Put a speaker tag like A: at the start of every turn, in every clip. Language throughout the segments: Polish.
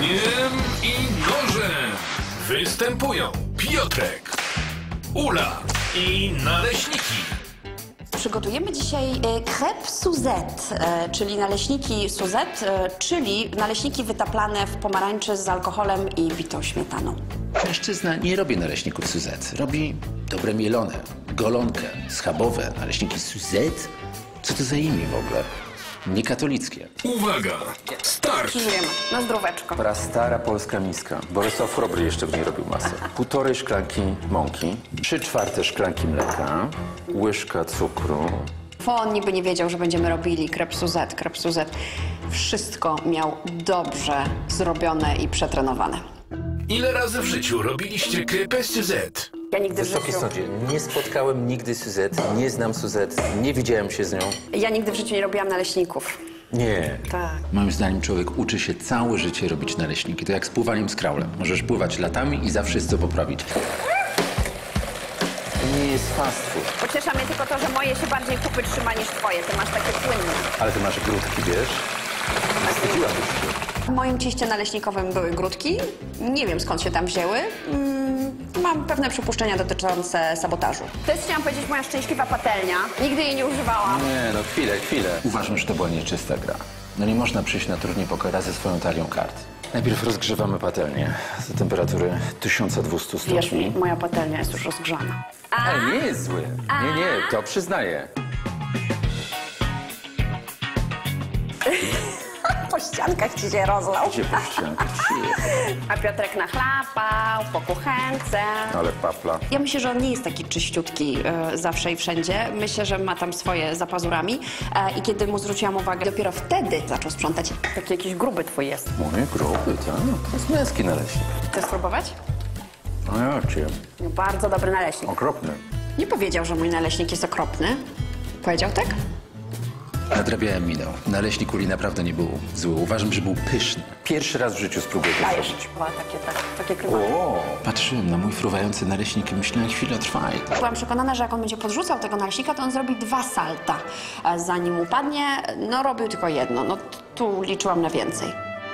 A: Ogniem i nożem występują Piotrek, Ula i naleśniki.
B: Przygotujemy dzisiaj crêpe Suzette, czyli naleśniki Suzette, czyli naleśniki wytaplane w pomarańczy z alkoholem i bitą śmietaną.
C: Mężczyzna nie robi naleśników Suzette. Robi dobre mielone, golonkę, schabowe, naleśniki Suzette. Co to za imię w ogóle? Niekatolickie.
A: Uwaga, start!
B: Przyjmujemy na zdróweczko.
D: Prastara polska miska. Bolesław Chrobry jeszcze w niej robił masę. 1,5 szklanki mąki, 3/4 szklanki mleka, łyżka cukru.
B: On niby nie wiedział, że będziemy robili crêpe Suzette. Wszystko miał dobrze zrobione i przetrenowane.
A: Ile razy w życiu robiliście crêpe Suzette?
B: Ja nigdy w
D: Wysoki
B: życiu...
D: sądzie, nie spotkałem nigdy Suzette, nie znam Suzette, nie widziałem się z nią.
B: Ja nigdy w życiu nie robiłam naleśników.
D: Nie.
B: Tak.
C: Moim zdaniem człowiek uczy się całe życie robić naleśniki. To jak z pływaniem z kraulem. Możesz pływać latami i zawsze jest co poprawić.
D: To nie jest fast food.
B: Pociesza mnie tylko to, że moje się bardziej kupy trzyma niż twoje. Ty masz takie płynne.
D: Ale ty masz grudki, wiesz? Wstydziłabyś się.
B: W moim cieście naleśnikowym były grudki. Nie wiem, skąd się tam wzięły. Mam pewne przypuszczenia dotyczące sabotażu. To jest, chciałam powiedzieć, moja szczęśliwa patelnia. Nigdy jej nie używałam.
D: Nie, no chwilę.
C: Uważam, że to była nieczysta gra. No nie można przyjść na turniej pokera ze swoją talią kart.
D: Najpierw rozgrzewamy patelnię do temperatury 1200 stopni.
B: Wierz mi, moja patelnia jest już rozgrzana.
D: Ale nie jest zły. Nie, to przyznaję.
B: Po ściankach ci się rozlał.
D: Gdzie po ściankach?
B: A Piotrek nachlapał po kuchence.
D: Ale papla.
B: Ja myślę, że on nie jest taki czyściutki zawsze i wszędzie. Myślę, że ma tam swoje za pazurami. I kiedy mu zwróciłam uwagę, dopiero wtedy zaczął sprzątać. Taki jakiś gruby twój jest.
D: Mój gruby, tak? To jest męski naleśnik.
B: Chcesz spróbować?
D: No ja cię.
B: Bardzo dobry naleśnik.
D: Okropny.
B: Nie powiedział, że mój naleśnik jest okropny. Powiedział tak?
C: Nadrabiałem minął. Naleśnik Uli naprawdę nie był zły. Uważam, że był pyszny.
D: Pierwszy raz w życiu spróbuję to
B: Dajesz.
D: zrobić.
B: Takie krywanie.
D: O,
C: Patrzyłem na mój fruwający naleśnik i myślałem, chwilę trwaj.
B: Byłam przekonana, że jak on będzie podrzucał tego naleśnika, to on zrobi 2 salta. Zanim upadnie, no robił tylko jedno. No tu liczyłam na więcej.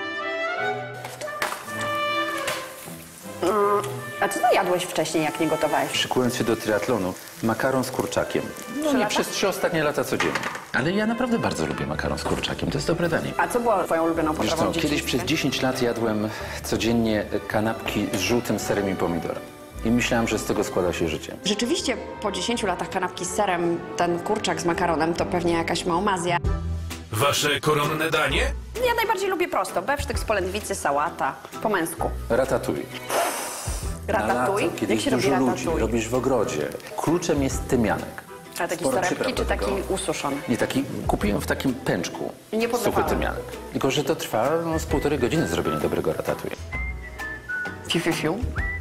B: A co ty jadłeś wcześniej, jak nie gotowałeś?
D: szykując się do triatlonu, makaron z kurczakiem. No nie
B: lata?
D: przez 3 ostatnie lata codziennie.
C: Ale ja naprawdę bardzo lubię makaron z kurczakiem. To jest dobre danie.
B: A co było twoją ulubioną
D: Wiesz
B: potrawą
D: co,
B: w
D: kiedyś
B: dzieciństwie?
D: przez 10 lat jadłem codziennie kanapki z żółtym serem i pomidorem. I myślałem, że z tego składa się życie.
B: Rzeczywiście po 10 latach kanapki z serem, ten kurczak z makaronem to pewnie jakaś małmazja.
A: Wasze koronne danie?
B: Ja najbardziej lubię prosto. Bewsztyk z polędwicy, sałata. Po męsku.
D: Ratatouille. Na
B: Ratatouille?
D: lato, kiedy
B: Jak się
D: jest
B: robi
D: dużo ludzi,
B: ratatouille?
D: robisz w ogrodzie. Kluczem jest tymianek.
B: A taki
D: Sporo
B: torebki
D: przypraw
B: czy
D: do
B: taki
D: tego.
B: ususzony?
D: Nie, taki kupiłem w takim pęczku.
B: Nie
D: suchy
B: podlewałem.
D: tymianek. Tylko, że to trwa z 1,5 godziny zrobienie dobrego ratatouille.
B: Fiu.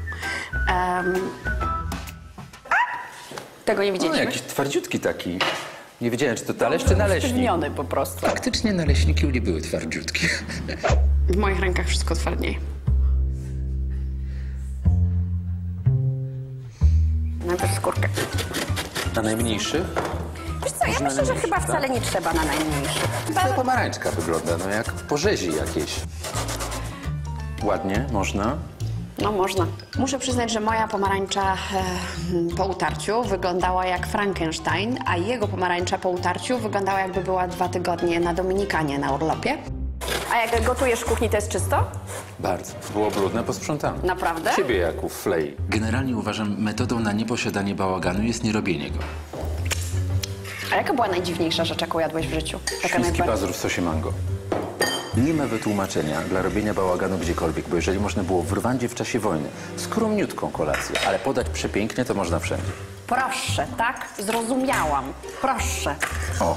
B: Tego nie
D: No,
B: widzieliśmy.
D: jakiś twardziutki taki. Nie wiedziałem, czy to talerz, czy naleśnik.
B: Sztywniony po prostu.
C: Faktycznie naleśniki Uli były twardziutkie.
B: W moich rękach wszystko twardnieje. Najpierw skórkę.
D: Na najmniejszych?
B: Wiesz co, ja myślę, że
D: najmniejszych,
B: chyba
D: tak?
B: wcale nie trzeba na najmniejszych.
D: Ta pomarańczka wygląda, no jak po rzezi jakiejś. Ładnie, można.
B: No można. Muszę przyznać, że moja pomarańcza po utarciu wyglądała jak Frankenstein, a jego pomarańcza po utarciu wyglądała jakby była 2 tygodnie na Dominikanie na urlopie. A jak gotujesz w kuchni, to jest czysto?
D: Bardzo. Było brudne, posprzątane.
B: Naprawdę?
D: Ciebie jak u Flej.
C: Generalnie uważam, metodą na nieposiadanie bałaganu jest nierobienie go.
B: A jaka była najdziwniejsza rzecz, jaką jadłeś w życiu?
D: Świński pazur w sosie mango. Nie ma wytłumaczenia dla robienia bałaganu gdziekolwiek, bo jeżeli można było w Rwandzie w czasie wojny skromniutką kolację, ale podać przepięknie, to można wszędzie.
B: Proszę, tak? Zrozumiałam. Proszę.
D: O,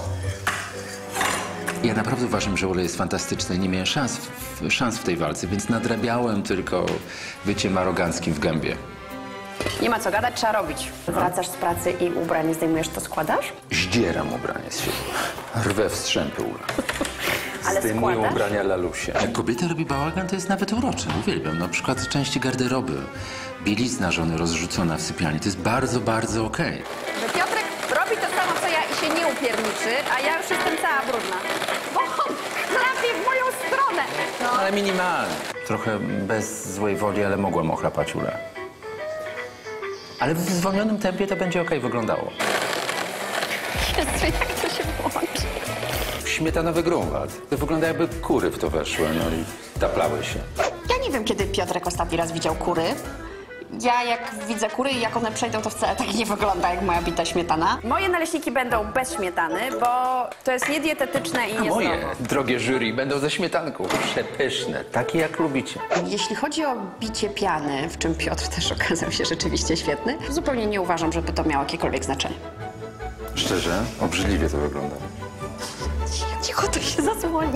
C: Ja naprawdę uważam, że olej jest fantastyczny. Nie miałem szans w tej walce, więc nadrabiałem tylko byciem aroganckim w gębie.
B: Nie ma co gadać, trzeba robić. Wracasz z pracy i ubranie zdejmujesz, to składasz?
D: zdzieram ubranie z siebie. Rwę w strzępy, Ula.
B: Ale
D: Zdejmuję
B: składasz?
D: ubrania lalusie.
C: Jak kobieta robi bałagan, to jest nawet urocze. Uwielbiam. Na przykład części garderoby, bielizna żony rozrzucona w sypialni. To jest bardzo, bardzo okej.
B: Że Piotrek robi to samo, co ja i się nie upierniczy, a ja już jestem cała brudna. Bo on trafi w moją stronę. No.
D: Ale minimalnie. Trochę bez złej woli, ale mogłem ochlapać Ulę. Ale w zwolnionym tempie to będzie okej wyglądało.
B: Jezu, jak to się włączy?
D: Śmietanowy Grunwald. To wygląda, jakby kury w to weszły, no i taplały się.
B: Ja nie wiem, kiedy Piotrek ostatni raz widział kury. Ja jak widzę kury i jak one przejdą, to wcale tak nie wygląda jak moja bita śmietana. Moje naleśniki będą bez śmietany, bo to jest niedietetyczne i
D: Moje
B: niezdrowo.
D: drogie jury będą ze śmietanką. Przepyszne, takie jak lubicie.
B: Jeśli chodzi o bicie piany, w czym Piotr też okazał się rzeczywiście świetny, zupełnie nie uważam, żeby to miało jakiekolwiek znaczenie.
D: Szczerze, obrzydliwie to wygląda.
B: Cicho, to się zasłoni.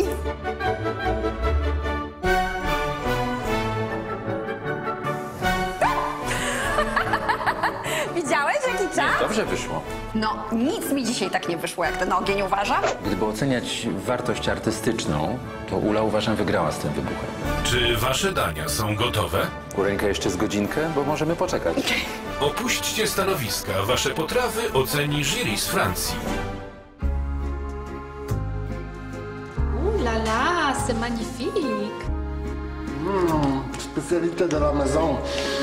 B: Widziałeś, jaki czas?
D: Dobrze wyszło.
B: No, nic mi dzisiaj tak nie wyszło, jak ten ogień uważa.
D: Gdyby oceniać wartość artystyczną, to Ula uważam wygrała z tym wybuchem.
A: Czy wasze dania są gotowe?
D: Kureńka jeszcze z godzinkę, bo możemy poczekać.
A: Opuśćcie stanowiska. Wasze potrawy oceni jury z Francji.
E: Ouh là là, c'est magnifique.
F: Spécialité de la maison.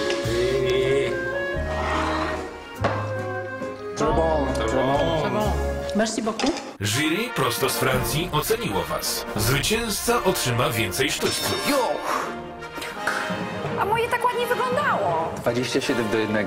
F: Très bon, très bon.
E: Merci beaucoup.
A: Jury prosto z Francji oceniło was. Zwycięzca otrzyma więcej sztućców.
B: A moje tak ładnie wyglądało.
D: 27-1.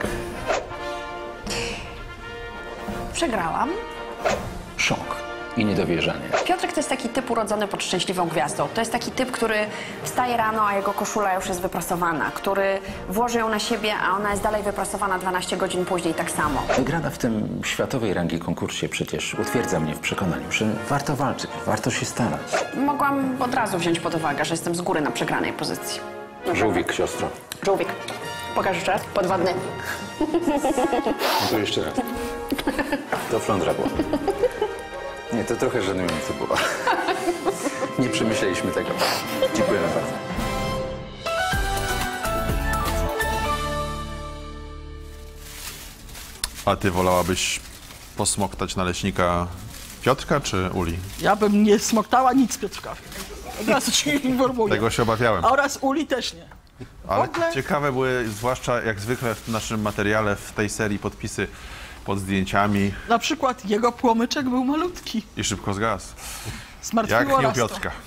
B: Przegrałam.
D: Szok i niedowierzanie.
B: Piotrek to jest taki typ urodzony pod szczęśliwą gwiazdą. To jest taki typ, który wstaje rano, a jego koszula już jest wyprasowana, który włoży ją na siebie, a ona jest dalej wyprasowana 12 godzin później tak samo.
D: Wygrana w tym światowej rangi konkursie przecież utwierdza mnie w przekonaniu, że warto walczyć, warto się starać.
B: Mogłam od razu wziąć pod uwagę, że jestem z góry na przegranej pozycji.
D: Żółwik, siostro.
B: Żółwik. Pokaż jeszcze raz. Podwodny.
D: No to jeszcze raz. To flądra była. Nie, to trochę żenujące było. Nie przemyśleliśmy tego. Dziękujemy bardzo.
G: A ty wolałabyś posmoktać naleśnika Piotrka czy Uli?
H: Ja bym nie smoktała nic, Piotrka. Od razu ci informuję.
G: Tego się obawiałem.
H: A oraz Uli też nie.
G: Ale
H: ogóle-
G: ciekawe były, zwłaszcza jak zwykle w naszym materiale, w tej serii podpisy pod zdjęciami
H: Na przykład jego płomyczek był malutki.
G: i szybko zgasł.
H: Zmartwiło
G: Jak nie u
H: nas to.
G: Piotrka.